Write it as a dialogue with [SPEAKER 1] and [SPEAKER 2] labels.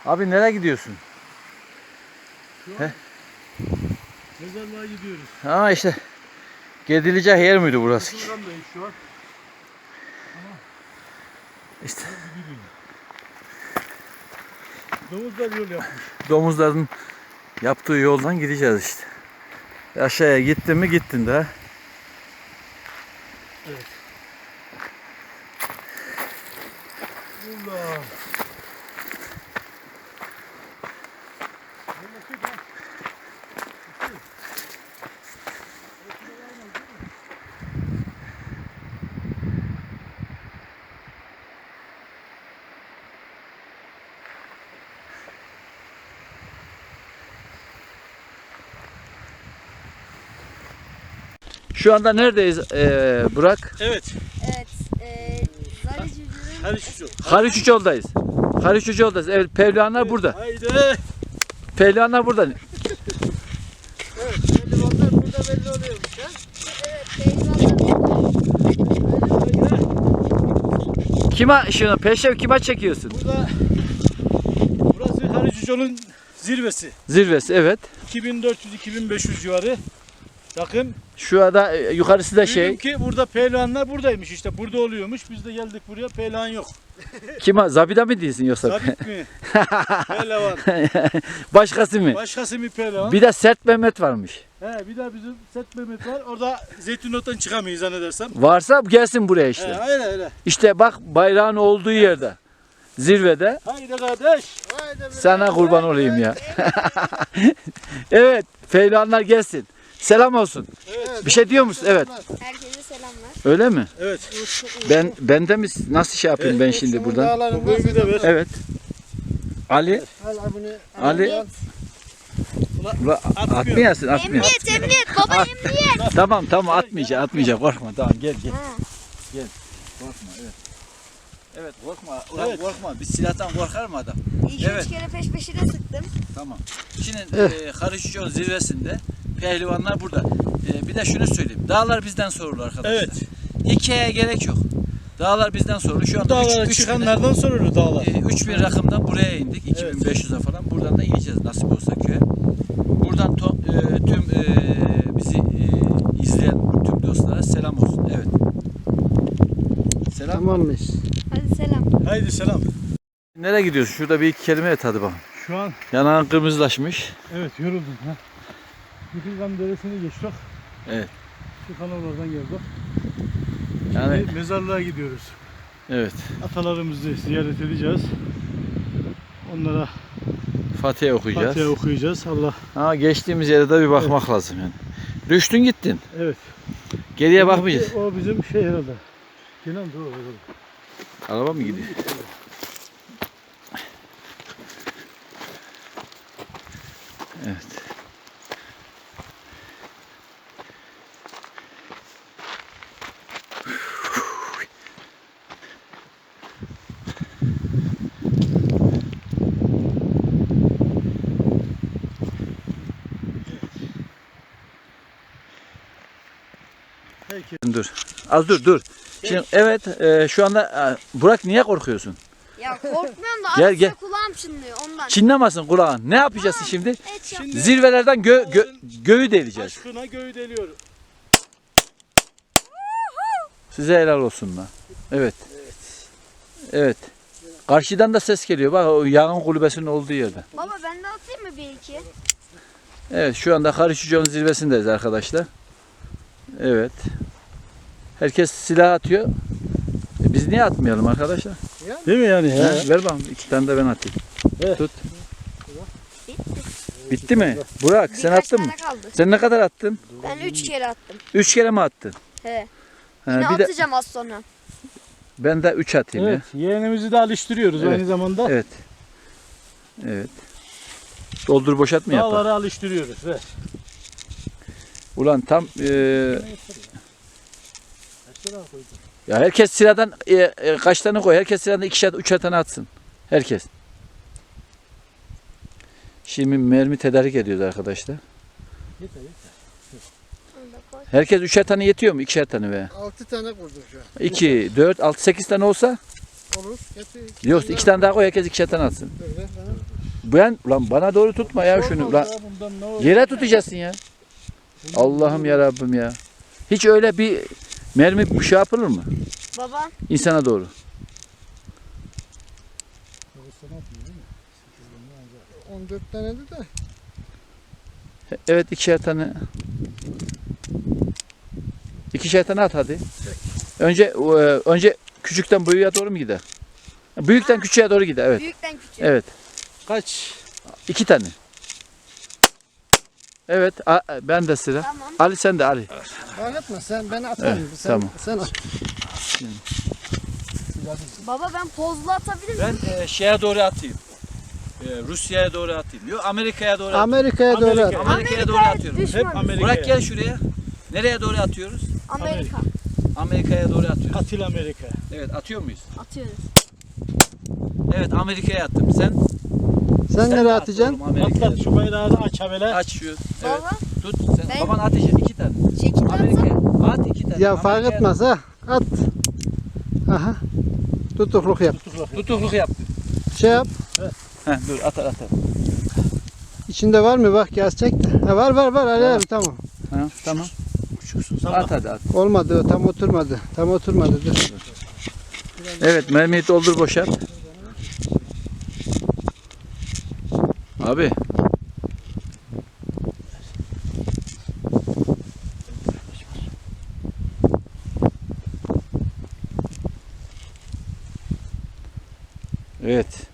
[SPEAKER 1] Abi nereye gidiyorsun?
[SPEAKER 2] Mezarlığa gidiyoruz.
[SPEAKER 1] Ha işte gidilecek yer miydi burası?
[SPEAKER 2] Furkan'dayız şu an.
[SPEAKER 1] İşte
[SPEAKER 2] Domuzlar yol yapmış.
[SPEAKER 1] domuzların yaptığı yoldan gideceğiz işte. Aşağıya gittin mi gittin de.
[SPEAKER 2] Evet. Allah.
[SPEAKER 1] Şu anda neredeyiz Burak?
[SPEAKER 2] Evet.
[SPEAKER 3] Evet. Zarıcı'nın
[SPEAKER 2] Hadi şu.
[SPEAKER 1] Haliç Uçol'dayız. Haliç Uçol'dayız. Evet, pehlivanlar burada.
[SPEAKER 2] Haydi.
[SPEAKER 1] Pehlivanlar burada.
[SPEAKER 2] Evet. Pehlivanlar burada belli oluyormuş ha.
[SPEAKER 3] evet pehlivanlar
[SPEAKER 1] Kime şunu peşev kime çekiyorsun?
[SPEAKER 2] Burası Haliç Uçol'un zirvesi.
[SPEAKER 1] Zirvesi evet.
[SPEAKER 2] 2400-2500 civarı. Bakın.
[SPEAKER 1] Şu anda yukarısı da şey.
[SPEAKER 2] Duydum ki burada pehlivanlar buradaymış işte. Burada oluyormuş. Biz de geldik buraya. Pehlivan yok.
[SPEAKER 1] Kime? Zabida mı değilsin yoksa?
[SPEAKER 2] Sabit mi? Pehlivan.
[SPEAKER 1] Başkası mı?
[SPEAKER 2] Başkası mı pehlivan?
[SPEAKER 1] Bir de Sert Mehmet varmış.
[SPEAKER 2] He, bir de bizim Set Mehmet var. Orada Zeytinot'tan çıkamayız zannedersem.
[SPEAKER 1] Varsa gelsin buraya işte.
[SPEAKER 2] He, öyle.
[SPEAKER 1] İşte bak bayrağın olduğu yerde. Zirvede.
[SPEAKER 2] Haydi kardeş.
[SPEAKER 1] Sana kurban olayım ya. Evet. Pehlivanlar gelsin. Selam olsun.
[SPEAKER 2] Evet.
[SPEAKER 1] Bir şey diyor musun? Evet.
[SPEAKER 3] herkese selamlar.
[SPEAKER 1] Öyle mi?
[SPEAKER 2] Evet.
[SPEAKER 1] Ben de mi nasıl şey yapayım ben şimdi buradan?
[SPEAKER 2] Bu bölümü de ver.
[SPEAKER 1] Evet. Ali. Ali. Ula, atmayasın, atmayasın.
[SPEAKER 3] Emniyet baba emniyet.
[SPEAKER 1] Tamam atmayacak korkma tamam gel.
[SPEAKER 3] Ha.
[SPEAKER 1] Korkma evet. Evet korkma
[SPEAKER 2] Evet.
[SPEAKER 1] korkma biz silahtan korkar mı adam?
[SPEAKER 3] 2-3
[SPEAKER 1] Evet.
[SPEAKER 3] kere peş peşine sıktım.
[SPEAKER 1] Tamam. Şimdi Karışıcıoğlu zirvesinde pehlivanlar burada. Bir de şunu söyleyeyim. Dağlar bizden sorulur arkadaşlar.
[SPEAKER 2] Evet.
[SPEAKER 1] Hikayeye gerek yok. Dağlar bizden sorulur. Şu anda
[SPEAKER 2] Dağlara çıkanlardan sorulur dağlar.
[SPEAKER 1] 3000 rakımdan buraya indik. 2500'e falan. Buradan da ineceğiz nasip olsa köye. Buradan tüm bizi izleyen tüm dostlara selam olsun. Evet. Selam.
[SPEAKER 4] Tamammış.
[SPEAKER 3] Hadi selam.
[SPEAKER 2] Haydi selam.
[SPEAKER 1] Nereye gidiyorsun? Şurada bir iki kelime et hadi bakalım.
[SPEAKER 2] Şu an
[SPEAKER 1] Yanağın kırmızılaşmış.
[SPEAKER 2] evet yoruldum ha. Yıkılgan Deresi'ni geçtik.
[SPEAKER 1] Evet.
[SPEAKER 2] Şu kanallardan geldik.
[SPEAKER 1] Yani
[SPEAKER 2] Şimdi mezarlığa gidiyoruz.
[SPEAKER 1] evet.
[SPEAKER 2] Atalarımızı ziyaret edeceğiz. Onlara
[SPEAKER 1] Fatiha okuyacağız.
[SPEAKER 2] Fatiha okuyacağız. Allah.
[SPEAKER 1] Ha geçtiğimiz yere de bir bakmak lazım yani. Düştün gittin.
[SPEAKER 2] Evet.
[SPEAKER 1] Geriye bakmayacağız.
[SPEAKER 2] O bizim şey herhalde. Kenan doğru.
[SPEAKER 1] Araba mı gidiyor? Evet.
[SPEAKER 2] Herkes.
[SPEAKER 1] Dur. Az dur. Şimdi evet şu anda Burak niye korkuyorsun?
[SPEAKER 3] Ya korkmuyorum da
[SPEAKER 1] Gel,
[SPEAKER 3] arada
[SPEAKER 1] gel.
[SPEAKER 3] kulağım çınlıyor ondan.
[SPEAKER 1] Çinlemesin kulağın. Ne yapacaksın şimdi?
[SPEAKER 3] Et yap.
[SPEAKER 1] Zirvelerden göğü deleceğiz.
[SPEAKER 2] Aşkına göğü deliyor.
[SPEAKER 1] Size helal olsun lan. Evet. Evet. Karşıdan da ses geliyor. Bak o yağın kulübesinin olduğu yerde.
[SPEAKER 3] Baba ben de atayım mı bir iki?
[SPEAKER 1] Evet şu anda Karışıcıoğlu'nun zirvesindeyiz arkadaşlar. Evet. Herkes silah atıyor. Biz niye atmayalım arkadaşlar?
[SPEAKER 2] Değil mi yani?
[SPEAKER 1] He, ver bakalım. 2 tane de ben atayım.
[SPEAKER 2] Evet.
[SPEAKER 1] Tut.
[SPEAKER 3] Bitti.
[SPEAKER 1] Bitti mi? Burak sen
[SPEAKER 3] Birkaç
[SPEAKER 1] attın mı?
[SPEAKER 3] tane kaldı.
[SPEAKER 1] Sen ne kadar attın?
[SPEAKER 3] Ben 3 kere attım.
[SPEAKER 1] 3 kere mi attın?
[SPEAKER 3] He.
[SPEAKER 1] Ha,
[SPEAKER 3] Yine
[SPEAKER 1] bir de
[SPEAKER 3] atacağım az sonra.
[SPEAKER 1] ben de 3 atayım
[SPEAKER 2] Evet. Yeğenimizi de alıştırıyoruz
[SPEAKER 1] Evet.
[SPEAKER 2] aynı zamanda.
[SPEAKER 1] ya. Evet. Evet. Doldur boşalt mı yapar?
[SPEAKER 2] Dağları alıştırıyoruz. Evet.
[SPEAKER 1] Ulan tam ya herkes sıradan kaç tane koy? Herkes sıradan 2'şer 3'er tane atsın. Herkes. Şimdi mermi tedarik ediyoruz arkadaşlar. Herkes 3'er tane yetiyor mu? 2'şer tane veya?
[SPEAKER 4] 6 tane kurdum şu an.
[SPEAKER 1] 2, 4, 6, 8 tane olsa
[SPEAKER 4] Olur. Getir.
[SPEAKER 1] Yok 2 tane daha koy, herkes 2'şer tane atsın.
[SPEAKER 4] Dur, ver bana.
[SPEAKER 1] Ben ulan bana doğru tutma ya şunu. Ulan
[SPEAKER 2] Ya bundan ne olur?
[SPEAKER 1] yere tutacaksın ya. Allah'ım ya Rabbim ya. Hiç öyle bir mermi bir şey yapılır mı?
[SPEAKER 3] Baba
[SPEAKER 1] İnsana doğru.
[SPEAKER 4] 14 tane de.
[SPEAKER 1] Evet 2'şer tane. 2'şer tane at hadi. Önce küçükten büyüğe doğru mu gider? Büyükten küçüğe doğru gider, evet.
[SPEAKER 3] büyükten küçük.
[SPEAKER 1] Evet.
[SPEAKER 2] Kaç?
[SPEAKER 1] 2 tane. Evet, ben de sıra.
[SPEAKER 3] Tamam.
[SPEAKER 1] Ali sen de Ali.
[SPEAKER 4] Fark etme sen beni atarım.
[SPEAKER 1] Evet,
[SPEAKER 4] sen,
[SPEAKER 1] tamam.
[SPEAKER 4] Sen at.
[SPEAKER 3] Baba ben pozlu atabilir miyim?
[SPEAKER 1] Ben şeye doğru atayım. Rusya'ya doğru atayım. Yok Amerika'ya doğru atayım.
[SPEAKER 4] Amerika'ya doğru at.
[SPEAKER 2] Amerika.
[SPEAKER 1] Amerika'ya doğru atıyorum.
[SPEAKER 3] düşman.
[SPEAKER 2] Hep Amerika.
[SPEAKER 1] Burak gel şuraya. Nereye doğru atıyoruz?
[SPEAKER 3] Amerika.
[SPEAKER 1] Amerika'ya doğru atıyoruz.
[SPEAKER 2] Atil Amerika.
[SPEAKER 1] Evet, atıyor muyuz?
[SPEAKER 3] Atıyoruz.
[SPEAKER 1] Evet, Amerika'ya attım. Sen
[SPEAKER 4] Sen nereye
[SPEAKER 1] at
[SPEAKER 4] atacaksın?
[SPEAKER 1] oğlum, Amerika'ya.
[SPEAKER 2] Atlat şu bayrağı da aç habele.
[SPEAKER 1] Aç şu. Evet.
[SPEAKER 3] Baba
[SPEAKER 1] Tut. Sen
[SPEAKER 3] Ben-
[SPEAKER 1] baban atacak 2 tane.
[SPEAKER 3] şekil
[SPEAKER 1] Amerika'ya.
[SPEAKER 3] atsam.
[SPEAKER 1] At 2 tane.
[SPEAKER 4] Ya fark
[SPEAKER 1] Amerika'ya-
[SPEAKER 4] etmez ha. At. Aha. Tutukluk yap.
[SPEAKER 1] Tutukluk yaptı.
[SPEAKER 4] Şey yap.
[SPEAKER 1] Dur atar.
[SPEAKER 4] İçinde var mı? Bak gaz çek. Ha, var Ali abi tamam.
[SPEAKER 1] Ha, tamam.
[SPEAKER 2] Salla.
[SPEAKER 1] At hadi at.
[SPEAKER 4] Olmadı o tam oturmadı. Tam oturmadı dur.
[SPEAKER 1] Evet, mermiyi doldur boşalt. Abi. Evet.